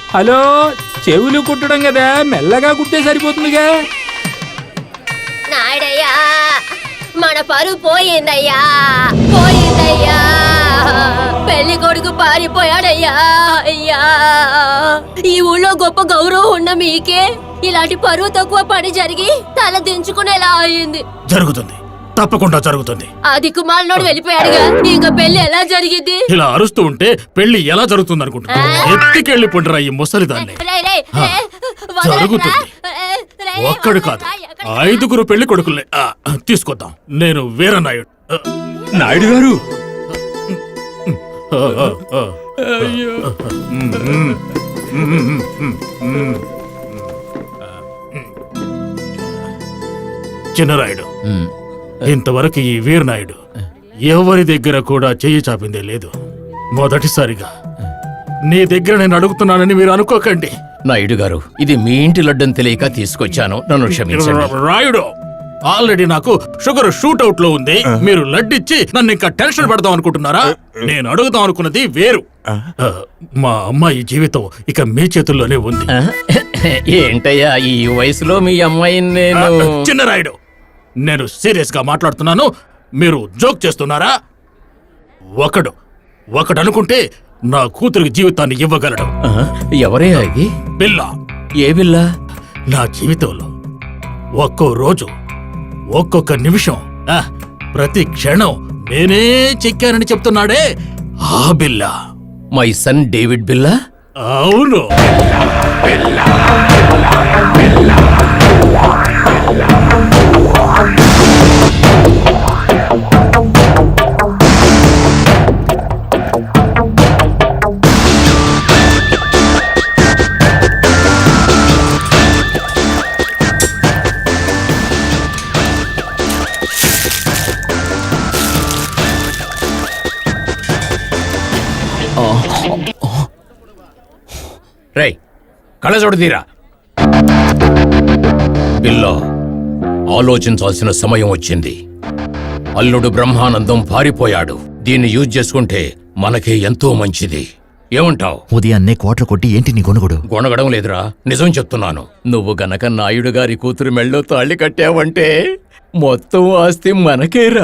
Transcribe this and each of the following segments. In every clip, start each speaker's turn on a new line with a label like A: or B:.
A: Hello, చెవులు కుట్టడం కదా, మెల్లగా కుట్టే సరిపోతుందిగా.
B: నాయుడయ్యా, మన పరువు పోయిందయ్యా, పోయిందయ్యా. పెళ్లి కొడుకు పారిపోయాడయ్యా. అయ్యా, ఈ ఊళ్ళో గొప్ప గౌరవం ఉన్న మీకే ఇలాంటి పరువు తక్కువ పని జరిగి తల దించుకునేలా అయింది.
C: జరుగుతుంది, తప్పకుండా జరుగుతుంది.
B: ఆ దిక్కుమాలనోడు వెళ్ళిపోయాడుగా, ఇంకా పెళ్లి ఎలా జరిగింది?
C: ఇలా అరుస్తూ ఉంటే పెళ్లి ఎలా జరుగుతుంది అనుకుంటున్నా? ఎత్తికెళ్ళి పొండిరా ఈ ముసలిదాన్ని. జరుగుతుంది. ఒక్కడు కాదు, 5 పెళ్లి కొడుకుల్ని తీసుకొద్దాం. నేను వీరనాయుడు.
A: నాయుడు గారు,
C: చిన్నరాయుడు, ఇంతవరకు ఈ వీరనాయుడు ఎవరి దగ్గర కూడా చెయ్యి చాపిందే లేదు. మొదటిసారిగా నీ దగ్గర నేను అడుగుతున్నానని మీరు అనుకోకండి.
D: నాయుడు గారు, ఇది మీ ఇంటి లడ్డని తెలియక తీసుకొచ్చాను, నన్ను క్షమించండి.
C: రాయుడు, ఆల్రెడీ నాకు షుగర్ షూట్అవుట్ లో ఉంది. మీరు లడ్డిచ్చి నన్ను ఇంకా టెన్షన్ పెడదాం అనుకుంటున్నారా? నేను అడుగుదాం అనుకున్నది వేరు. మా అమ్మాయి జీవితం ఇక మీ చేతుల్లోనే ఉంది.
D: ఏంటయ్యా ఈ వయసులో మీ అమ్మాయిని నేను...
C: చిన్నరాయుడు, నేను సీరియస్ గా మాట్లాడుతున్నాను, మీరు జోక్ చేస్తున్నారా? ఒకడు అనుకుంటే నా కూతురికి జీవితాన్ని ఇవ్వగలడు.
D: ఎవరే అది?
C: బిల్ల.
D: ఏ బిల్ల?
C: నా జీవితంలో ఒక్కో రోజు, ఒక్కొక్క నిమిషం, ప్రతి క్షణం నేనే చెక్కానని చెప్తున్నాడే ఆ బిల్ల.
D: మై సన్ డేవిడ్ బిల్లా?
C: అవును.
D: రై, కళ్ళజోడు తీరా. బిల్లో, ఆలోచించాల్సిన సమయం వచ్చింది. అల్లుడు బ్రహ్మానందం పారిపోయాడు. దీన్ని యూజ్ చేసుకుంటే మనకే ఎంతో మంచిది. ఏమంటావ్?
E: ఉదయాన్నే కోట్ల కొట్టి ఏంటి నీ గొనుగుడు?
D: గొనగడం లేదురా, నిజం చెప్తున్నాను. నువ్వు గనక నాయుడు గారి కూతురు మెళ్ళో తాళి కట్టావంటే మొత్తం ఆస్తి మనకేరా.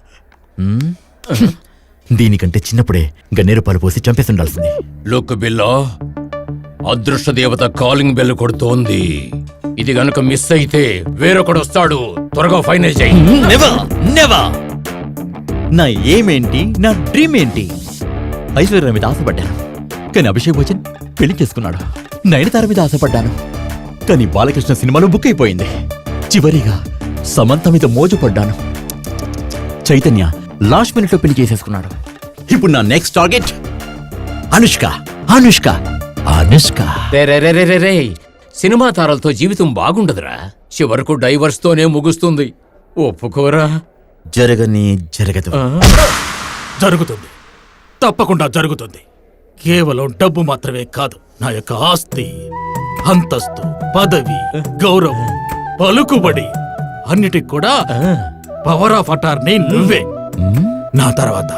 E: దీనికంటే చిన్నప్పుడే గన్నేరు పాలు పోసి చంపేస్తుండాల్సింది.
D: లుక్ బిల్లో, అదృష్ట దేవత కాలింగ్ బెల్ కొడుతోంది. ఇది గనుక మిస్ అయితే వేరొకడు వస్తాడు. త్వరగా ఫైనల్ చేయి.
E: నా ఏమేంటి, నా డ్రీమ్ ఏంటి? ఐశ్వర్య మీద ఆశపడ్డాను, కానీ అభిషేక్ బచ్చన్ పెళ్లి చేసుకున్నాడు. నయనతార మీద ఆశపడ్డాను, కానీ బాలకృష్ణ సినిమాలో బుక్ అయిపోయింది. చివరిగా సమంత మీద మోజుపడ్డాను. చైతన్య లాస్ట్ మినిట్ లో పెళ్లి చేసేసుకున్నాడు. ఇప్పుడు నా నెక్స్ట్ టార్గెట్ అనుష్క. అనుష్క అనుష్క
D: రే, సినిమా తారలతో జీవితం బాగుండదురా. చివరకు డైవర్స్ తోనే ముగుస్తుంది. ఒప్పుకోరా?
E: జరగని జరగదు.
C: జరుగుతుంది, తప్పకుండా జరుగుతుంది. కేవలం డబ్బు మాత్రమే కాదు, నా యొక్క ఆస్తి, అంతస్తు, పదవి, గౌరవం, పలుకుబడి అన్నిటికి కూడా పవర్ ఆఫ్ అటార్నీ నువ్వే. నా తర్వాత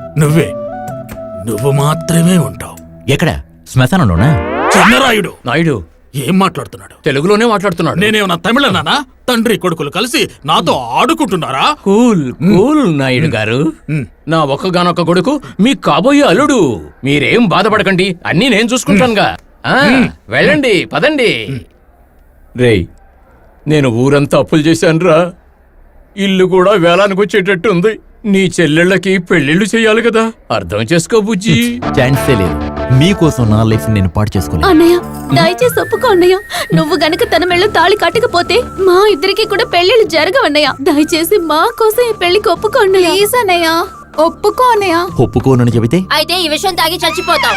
C: నువ్వు మాత్రమే ఉంటావు.
E: ఎక్కడ? శ్మశానంలోనా?
C: చిన్నరాయుడు,
D: నాయుడు
C: ఏం మాట్లాడుతున్నాడు?
D: తెలుగులోనే మాట్లాడుతున్నాడు.
C: నేనేమన్నా తమిళనానా? తండ్రి కొడుకులు కలిసి నాతో ఆడుకుంటున్నారా?
D: కూల్ కూల్ నాయుడు గారు. నా ఒక్కగానొక్క కొడుకు మీ కాబోయే అల్లుడు. మీరేం బాధపడకండి, అన్నీ నేను చూసుకుంటానుగా. వెళ్ళండి, పదండి. రేయ్, నేను ఊరంతా అప్పులు చేశానురా. ఇల్లు కూడా వేలానికి వచ్చేటట్టు ఉంది. నీ చెల్లెళ్ళకి పెళ్లిళ్ళు చెయ్యాలి కదా, అర్థం చేసుకో బుజ్జి.
E: ఛాన్సే లేదు. మీకోసం నా లైఫ్ నేను పాడు చేసుకోలేదు.
B: అన్నయ్య, దయచేసి ఒప్పుకో అన్నయ్య. నువ్వు గనక తన మెళ్ళో తాళి కట్టకపోతే మా ఇద్దరికి కూడా పెళ్లిళ్ళు జరగవన్నయ్య. దయచేసి మా కోసం ఈ పెళ్లికి ఒప్పుకో అన్నయ్య. ప్లీజ్ అన్నయ్య, ఒప్పుకో అన్నయ్య.
E: ఒప్పుకోనని చెబితే
B: అయితే ఈ విషయం తాగి చచ్చిపోతాం.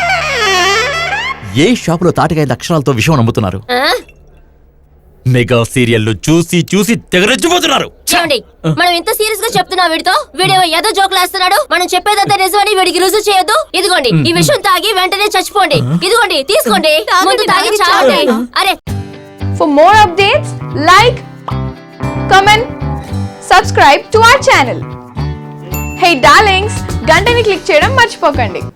E: ఏ షాపులో తాటికాయ అక్షరాలతో విషయం నమ్ముతున్నారు? మెగా సీరియల్లు చూసి చూసి తెగరెచ్చిపోతున్నారు.
B: చూడండి, మనం ఎంత సీరియస్ గా చెప్తున్నా వీడితో, వీడేమో ఏదో జోకులు వేస్తున్నాడు. మనం చెప్పేదంతా నిజమని వీడికి రుజువు చేయొద్దు. ఇదిగోండి, ఈ విషయం తాగి వెంటనే చచ్చిపోండి. ఇదిగోండి, తీసుకోండి. ముందు తాగి చావండి. అరే,
F: For more updates, like, comment, subscribe to our channel. Hey darlings, గంటని click చేయడం మర్చిపోకండి.